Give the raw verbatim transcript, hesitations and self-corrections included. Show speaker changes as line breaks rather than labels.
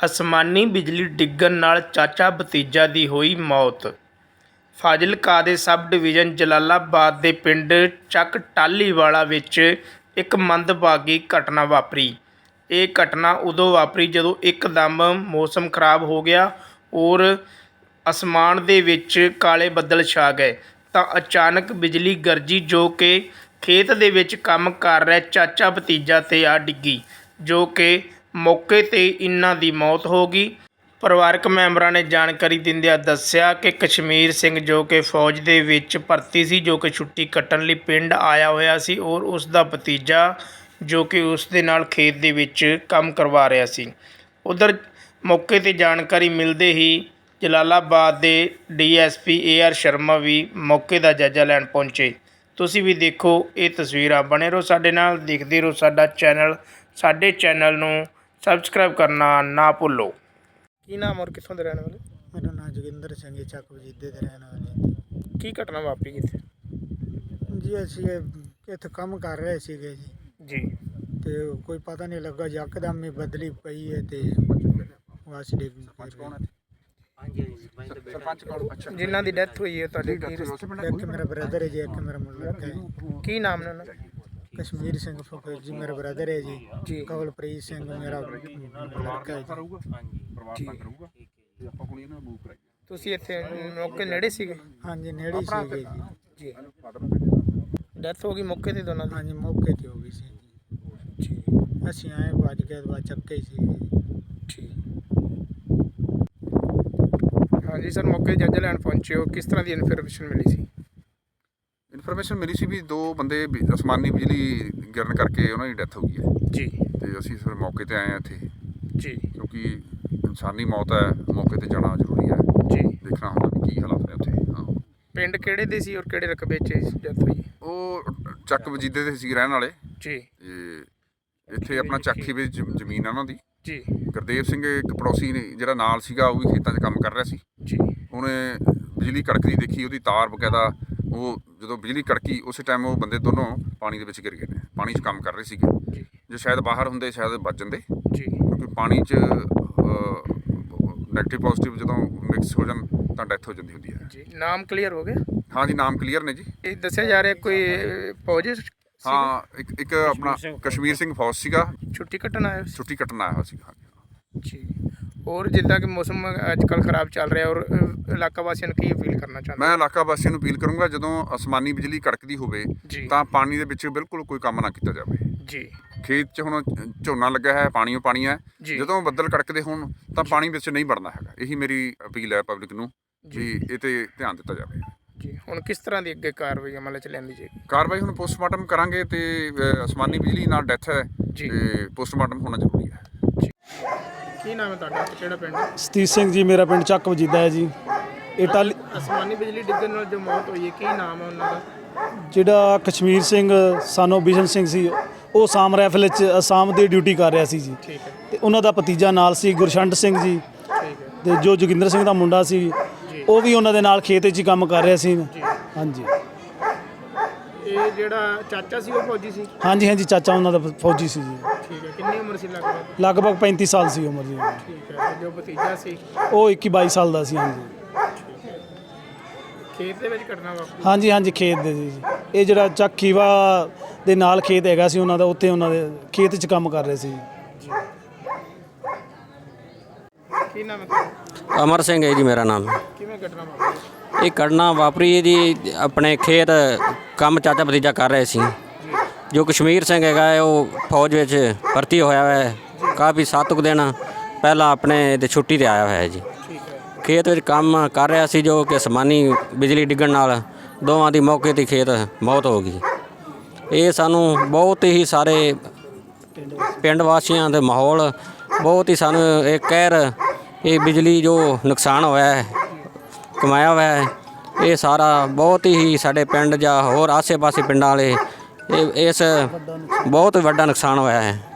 ਅਸਮਾਨੀ ਬਿਜਲੀ ਡਿੱਗਣ ਨਾਲ ਚਾਚਾ ਭਤੀਜਾ ਦੀ ਹੋਈ ਮੌਤ। ਫਾਜ਼ਿਲਕਾ ਦੇ ਸਬ ਡਿਵੀਜ਼ਨ ਜਲਾਲਾਬਾਦ ਦੇ ਪਿੰਡ ਚੱਕ ਟਾਹਲੀਵਾਲਾ ਵਿੱਚ ਇੱਕ ਮੰਦਭਾਗੀ ਘਟਨਾ ਵਾਪਰੀ। ਇਹ ਘਟਨਾ ਉਦੋਂ ਵਾਪਰੀ ਜਦੋਂ ਇੱਕਦਮ ਮੌਸਮ ਖਰਾਬ ਹੋ ਗਿਆ ਔਰ ਅਸਮਾਨ ਦੇ ਵਿੱਚ ਕਾਲੇ ਬੱਦਲ ਛਾ ਗਏ ਤਾਂ ਅਚਾਨਕ ਬਿਜਲੀ ਗਰਜੀ ਜੋ ਕਿ ਖੇਤ ਦੇ ਵਿੱਚ ਕੰਮ ਕਰ ਰਿਹਾ ਚਾਚਾ ਭਤੀਜਾ 'ਤੇ ਆ ਡਿੱਗੀ, ਜੋ ਕਿ ਮੌਕੇ 'ਤੇ ਇਹਨਾਂ ਦੀ ਮੌਤ ਹੋ ਗਈ। ਪਰਿਵਾਰਕ ਮੈਂਬਰਾਂ ਨੇ ਜਾਣਕਾਰੀ ਦਿੰਦਿਆਂ ਦੱਸਿਆ ਕਿ ਕਸ਼ਮੀਰ ਸਿੰਘ ਜੋ ਕਿ ਫੌਜ ਦੇ ਵਿੱਚ ਭਰਤੀ ਸੀ, ਜੋ ਕਿ ਛੁੱਟੀ ਕੱਟਣ ਲਈ ਪਿੰਡ ਆਇਆ ਹੋਇਆ ਸੀ ਔਰ ਉਸ ਦਾ ਭਤੀਜਾ ਜੋ ਕਿ ਉਸ ਦੇ ਨਾਲ ਖੇਤ ਦੇ ਵਿੱਚ ਕੰਮ ਕਰਵਾ ਰਿਹਾ ਸੀ। ਉੱਧਰ ਮੌਕੇ 'ਤੇ ਜਾਣਕਾਰੀ ਮਿਲਦੇ ਹੀ ਜਲਾਲਾਬਾਦ ਦੇ D S P A R Sharma ਵੀ ਮੌਕੇ ਦਾ ਜਾਇਜ਼ਾ ਲੈਣ ਪਹੁੰਚੇ। ਤੁਸੀਂ ਵੀ ਦੇਖੋ ਇਹ ਤਸਵੀਰਾਂ, ਬਣੇ ਰਹੋ ਸਾਡੇ ਨਾਲ, ਦੇਖਦੇ ਰਹੋ ਸਾਡਾ ਚੈਨਲ। ਸਾਡੇ ਚੈਨਲ ਨੂੰ ਸਬਸਕ੍ਰਾਈਬ ਕਰਨਾ ਨਾ ਭੁੱਲੋ। ਕੀ ਨਾਮ ਔਰ ਕਿੱਥੋਂ ਦੇ ਰਹਿਣ ਵਾਲੇ?
ਮੇਰਾ ਨਾਮ ਜੋਗਿੰਦਰ ਸਿੰਘ ਹੈ, ਚੱਕ ਵਜੀਦੇ ਦੇ ਰਹਿਣ ਵਾਲੇ।
ਕੀ ਘਟਨਾ ਵਾਪਰੀ ਇੱਥੇ?
ਜੀ ਅਸੀਂ ਇੱਥੇ ਕੰਮ ਕਰ ਰਹੇ ਸੀਗੇ ਜੀ
ਜੀ
ਤੇ ਕੋਈ ਪਤਾ ਨਹੀਂ ਲੱਗਾ, ਯਕਦਮ ਹੀ ਬਦਲੀ ਪਈ ਹੈ ਤੇ ਵਾਸ ਡਿੱਗ ਗਈ।
ਜਿਨ੍ਹਾਂ ਦੀ ਡੈਥ ਹੋਈ ਹੈ ਤੁਹਾਡੇ ਕੀ ਰਿਸ਼ਤੇ?
ਇੱਕ ਮੇਰਾ ਬ੍ਰਦਰ ਹੈ ਜੀ, ਇੱਕ ਮੇਰਾ ਮੁੰਡਾ ਹੈ।
ਕੀ ਨਾਮ ਨੇ ਉਹਨਾਂ ਦਾ?
ਕਸ਼ਮੀਰ ਸਿੰਘ ਫਕੀਰ ਜੀ ਮੇਰਾ ਬ੍ਰਦਰ ਹੈ ਜੀ,
ਜੀ
ਕਵਲਪ੍ਰੀਤ ਸਿੰਘ ਮੇਰਾ ਲੜਕਾ ਹੈ ਜੀ।
ਤੁਸੀਂ ਇੱਥੇ ਮੌਕੇ ਨੇੜੇ ਸੀਗੇ?
ਹਾਂਜੀ ਨੇੜੇ ਹੀ ਸੀਗੇ ਜੀ।
ਜੀ ਡੈਥ ਹੋ ਗਈ ਮੌਕੇ 'ਤੇ ਦੋਨਾਂ ਦੀ?
ਹਾਂਜੀ ਮੌਕੇ 'ਤੇ ਹੋ ਗਈ ਸੀ ਜੀ।
ਜੀ
ਅਸੀਂ ਆਏ ਭੱਜ ਕੇ ਬਾਅਦ ਚੱਕੇ ਸੀ।
ਠੀਕ। ਹਾਂਜੀ ਸਰ, ਮੌਕੇ 'ਤੇ ਜਾਇਜ਼ਾ ਲੈਣ ਪਹੁੰਚੇ ਹੋ, ਕਿਸ ਤਰ੍ਹਾਂ ਦੀ ਇਨਫੋਰਮੇਸ਼ਨ ਮਿਲੀ ਸੀ?
ਇਨਫੋਰਮੇਸ਼ਨ ਮਿਲੀ ਸੀ ਵੀ ਦੋ ਬੰਦੇ ਬਿ- ਅਸਮਾਨੀ ਬਿਜਲੀ ਗਿਰਨ ਕਰਕੇ ਉਹਨਾਂ ਦੀ ਡੈਥ ਹੋ ਗਈ ਹੈ
ਜੀ
ਤੇ ਅਸੀਂ ਫਿਰ ਮੌਕੇ 'ਤੇ ਆਏ ਹਾਂ ਇੱਥੇ,
ਜੀ
ਕਿਉਂਕਿ ਇਨਸਾਨੀ ਮੌਤ ਹੈ, ਮੌਕੇ 'ਤੇ ਜਾਣਾ ਜ਼ਰੂਰੀ ਹੈ,
ਜੀ।
ਦੇਖਣਾ ਹੁੰਦਾ ਵੀ ਕੀ ਹਾਲਾਤ ਨੇ ਉੱਥੇ। ਹਾਂ,
ਪਿੰਡ ਕਿਹੜੇ ਦੇ ਸੀ ਔਰ ਕਿਹੜੇ ਰਕਬੇ 'ਚ ਡੈਥ ਹੋਈ?
ਉਹ ਚੱਕ ਵਜੀਦੇ ਦੇ ਸੀ ਰਹਿਣ ਵਾਲੇ
ਜੀ
ਤੇ ਇੱਥੇ ਆਪਣਾ ਚੱਕੀ ਵਿੱਚ ਜ- ਜ਼ਮੀਨ ਆ ਉਹਨਾਂ ਦੀ।
ਜੀ
ਗੁਰਦੇਵ ਸਿੰਘ ਇੱਕ ਪੜੋਸੀ ਨੇ ਜਿਹੜਾ ਨਾਲ ਸੀਗਾ, ਉਹ ਵੀ ਖੇਤਾਂ 'ਚ ਕੰਮ ਕਰ ਰਿਹਾ ਸੀ।
ਜੀ
ਉਹਨੇ ਬਿਜਲੀ ਕੜਕਦੀ ਦੇਖੀ, ਉਹਦੀ ਤਾਰ ਬਕਾਇਦਾ, ਉਹ ਜਦੋਂ ਬਿਜਲੀ ਕੜਕੀ ਉਸੇ ਟਾਈਮ ਉਹ ਬੰਦੇ ਦੋਨੋਂ ਪਾਣੀ ਦੇ ਵਿੱਚ ਗਿਰ ਗਏ ਨੇ। ਪਾਣੀ 'ਚ ਕੰਮ ਕਰ ਰਹੇ ਸੀਗੇ,
ਜੀ
ਜੇ ਸ਼ਾਇਦ ਬਾਹਰ ਹੁੰਦੇ ਸ਼ਾਇਦ ਬਚ ਜਾਂਦੇ,
ਜੀ
ਕਿਉਂਕਿ ਪਾਣੀ 'ਚ ਨੈਗੇਟਿਵ ਪੋਜ਼ਿਟਿਵ ਜਦੋਂ ਮਿਕਸ ਹੋ ਜਾਣ ਤਾਂ ਡੈਥ ਹੋ ਜਾਂਦੀ ਹੁੰਦੀ ਹੈ।
ਜੀ ਨਾਮ ਕਲੀਅਰ ਹੋ ਗਿਆ?
ਹਾਂ ਜੀ, ਨਾਮ ਕਲੀਅਰ ਨੇ ਜੀ।
ਇਹ ਦੱਸਿਆ ਜਾ ਰਿਹਾ ਕੋਈ ਫੌਜ
ਹਾਂ, ਇੱਕ ਇੱਕ ਆਪਣਾ ਕਸ਼ਮੀਰ ਸਿੰਘ ਫੌਜ ਸੀਗਾ,
ਛੁੱਟੀ ਕੱਟਣ ਆਇਆ ਸੀ?
ਛੁੱਟੀ ਕੱਟਣ ਆਇਆ ਹੋਇਆ ਸੀਗਾ।
ਜੀ। ਔਰ ਜਿੱਦਾਂ ਕਿ ਮੌਸਮ ਅੱਜ ਕੱਲ੍ਹ ਖਰਾਬ ਚੱਲ ਰਿਹਾ ਔਰ ਅ, ਇਲਾਕਾ ਵਾਸੀਆਂ ਨੂੰ ਕੀ ਅਪੀਲ ਕਰਨਾ ਚਾਹੁੰਦੇ?
ਮੈਂ ਇਲਾਕਾ ਵਾਸੀਆਂ ਨੂੰ ਅਪੀਲ ਕਰੂੰਗਾ, ਜਦੋਂ ਅਸਮਾਨੀ ਬਿਜਲੀ ਕੜਕਦੀ ਹੋਵੇ
ਜੀ
ਤਾਂ ਪਾਣੀ ਦੇ ਵਿੱਚ ਬਿਲਕੁਲ ਕੋਈ ਕੰਮ ਨਾ ਕੀਤਾ ਜਾਵੇ।
ਜੀ
ਖੇਤ 'ਚ ਹੁਣ ਝੋਨਾ ਲੱਗਾ ਹੈ, ਪਾਣੀਓ ਪਾਣੀ ਹੈ,
ਜੀ
ਜਦੋਂ ਬੱਦਲ ਕੜਕਦੇ ਹੋਣ ਤਾਂ ਪਾਣੀ ਵਿੱਚ ਨਹੀਂ ਵੜਨਾ ਹੈਗਾ। ਇਹੀ ਮੇਰੀ ਅਪੀਲ ਹੈ ਪਬਲਿਕ ਨੂੰ ਵੀ ਇਹ 'ਤੇ ਧਿਆਨ ਦਿੱਤਾ ਜਾਵੇ।
ਜੀ ਹੁਣ ਕਿਸ ਤਰ੍ਹਾਂ ਦੀ ਅੱਗੇ ਕਾਰਵਾਈ ਅਮਲ 'ਚ ਲਿਆਂਦੀ ਜਾਏਗੀ?
ਕਾਰਵਾਈ ਹੁਣ ਪੋਸਟਮਾਰਟਮ ਕਰਾਂਗੇ ਤੇ ਅ, ਅਸਮਾਨੀ ਬਿਜਲੀ ਨਾਲ ਡੈਥ ਹੈ
ਜੀ।
ਤੇ ਪੋਸਟਮਾਰਟਮ ਹੋਣਾ ਜ਼ਰੂਰੀ ਹੈ।
ਕੀ ਨਾਮ ਹੈ ਤੁਹਾਡਾ ਤੇ ਕਿਹੜਾ ਪਿੰਡ?
ਸਤੀਸ਼ ਸਿੰਘ ਜੀ, ਮੇਰਾ ਪਿੰਡ ਚੱਕ ਵਜੀਦਾ ਹੈ ਜੀ। ਇਹ ਟਾਹਲੀ
ਅਸਮਾਨੀ ਬਿਜਲੀ ਡਿੱਗਣ ਨਾਲ ਜੋ ਮੌਤ ਹੋਈ ਹੈ, ਕੀ ਨਾਮ ਹੈ ਉਹਨਾਂ ਦਾ?
ਜਿਹੜਾ ਕਸ਼ਮੀਰ ਸਿੰਘ ਸਾਨੋ ਬਿਸ਼ਨ ਸਿੰਘ ਸੀ, ਉਹ ਅਸਾਮ ਰਾਈਫਲ 'ਚ ਅਸਾਮ ਦੀ ਡਿਊਟੀ ਕਰ ਰਿਹਾ ਸੀ ਜੀ।
ਠੀਕ ਹੈ,
ਤੇ ਉਹਨਾਂ ਦਾ ਭਤੀਜਾ ਨਾਲ ਸੀ ਗੁਰਸ਼ੰਟ ਸਿੰਘ ਜੀ,
ਠੀਕ ਹੈ
ਤੇ ਜੋ ਜੋਗਿੰਦਰ ਸਿੰਘ ਦਾ ਮੁੰਡਾ ਸੀ
ਜੀ।
ਉਹ ਵੀ ਉਹਨਾਂ ਦੇ ਨਾਲ ਖੇਤ 'ਚ ਹੀ ਕੰਮ ਕਰ ਰਿਹਾ ਸੀ। ਹਾਂਜੀ
ਇਹ ਜਿਹੜਾ ਚਾਚਾ ਸੀ ਉਹ ਫੌਜੀ ਸੀ?
ਹਾਂਜੀ ਹਾਂਜੀ, ਚਾਚਾ ਉਹਨਾਂ ਦਾ ਫੌਜੀ ਸੀ ਜੀ।
ਠੀਕ ਹੈ, ਕਿੰਨੀ ਉਮਰ ਸੀ ਲਗਭਗ?
ਲਗਭਗ ਪੈਂਤੀ ਸਾਲ ਸੀ ਉਮਰ ਜੀ।
ਠੀਕ ਹੈ, ਤੇ ਜੋ ਭਤੀਜਾ ਸੀ
ਉਹ ਇੱਕੀ ਬਾਈ ਸਾਲ ਦਾ ਸੀ। ਹਾਂਜੀ
ਖੇਤ ਦੇ ਵਿੱਚ ਘਟਨਾ ਵਾਪਰੀ?
ਹਾਂਜੀ ਹਾਂਜੀ, ਖੇਤ ਦੇ ਜੀ। ਇਹ ਜਿਹੜਾ ਚੱਕ ਖੀਵਾ ਦੇ ਨਾਲ ਖੇਤ ਹੈਗਾ ਸੀ ਉਹਨਾਂ ਦਾ, ਉੱਥੇ ਉਹਨਾਂ ਦੇ ਖੇਤ 'ਚ ਕੰਮ ਕਰ ਰਹੇ ਸੀ।
ਕੀ ਨਾਮ ਹੈ ਤੁਹਾਡਾ?
ਅਮਰ ਸਿੰਘ ਹੈ ਜੀ ਮੇਰਾ ਨਾਮ।
ਕਿਵੇਂ ਘਟਨਾ ਵਾਪਰੀ?
ਇਹ ਘਟਨਾ ਵਾਪਰੀ ਜੀ, ਆਪਣੇ ਖੇਤ ਕੰਮ ਚਾਚਾ ਭਤੀਜਾ ਕਰ ਰਹੇ ਸੀ। ਜੋ ਕਸ਼ਮੀਰ ਸਿੰਘ ਹੈਗਾ ਹੈ, ਉਹ ਫੌਜ ਵਿੱਚ ਭਰਤੀ ਹੋਇਆ ਹੈ, ਕਾਫੀ ਸੱਤ ਕੁ ਦਿਨ ਪਹਿਲਾਂ ਆਪਣੇ ਤੇ ਛੁੱਟੀ 'ਤੇ ਆਇਆ ਹੋਇਆ ਹੈ ਜੀ।
ਠੀਕ ਹੈ,
ਖੇਤ ਵਿੱਚ ਕੰਮ ਕਰ ਰਿਹਾ ਸੀ, ਜੋ ਕਿ ਅਸਮਾਨੀ ਬਿਜਲੀ ਡਿੱਗਣ ਨਾਲ ਦੋਵਾਂ ਦੀ ਮੌਕੇ 'ਤੇ ਖੇਤ ਮੌਤ ਹੋ ਗਈ। ਇਹ ਸਾਨੂੰ ਬਹੁਤ ਹੀ ਸਾਰੇ ਪਿੰਡ ਵਾਸੀਆਂ ਦੇ ਮਾਹੌਲ ਬਹੁਤ ਹੀ ਸਾਨੂੰ ਇਹ ਕਹਿਰ, ਇਹ ਬਿਜਲੀ ਜੋ ਨੁਕਸਾਨ ਹੋਇਆ ਹੈ, ਕਮਾਇਆ ਹੋਇਆ ਹੈ, ਇਹ ਸਾਰਾ ਬਹੁਤ ਹੀ ਸਾਡੇ ਪਿੰਡ ਜਾਂ ਹੋਰ ਆਸੇ-ਪਾਸੇ ਪਿੰਡਾਂ ਵਾਲੇ ਇਹ ਇਸ ਬਹੁਤ ਵੱਡਾ ਨੁਕਸਾਨ ਹੋਇਆ ਹੈ।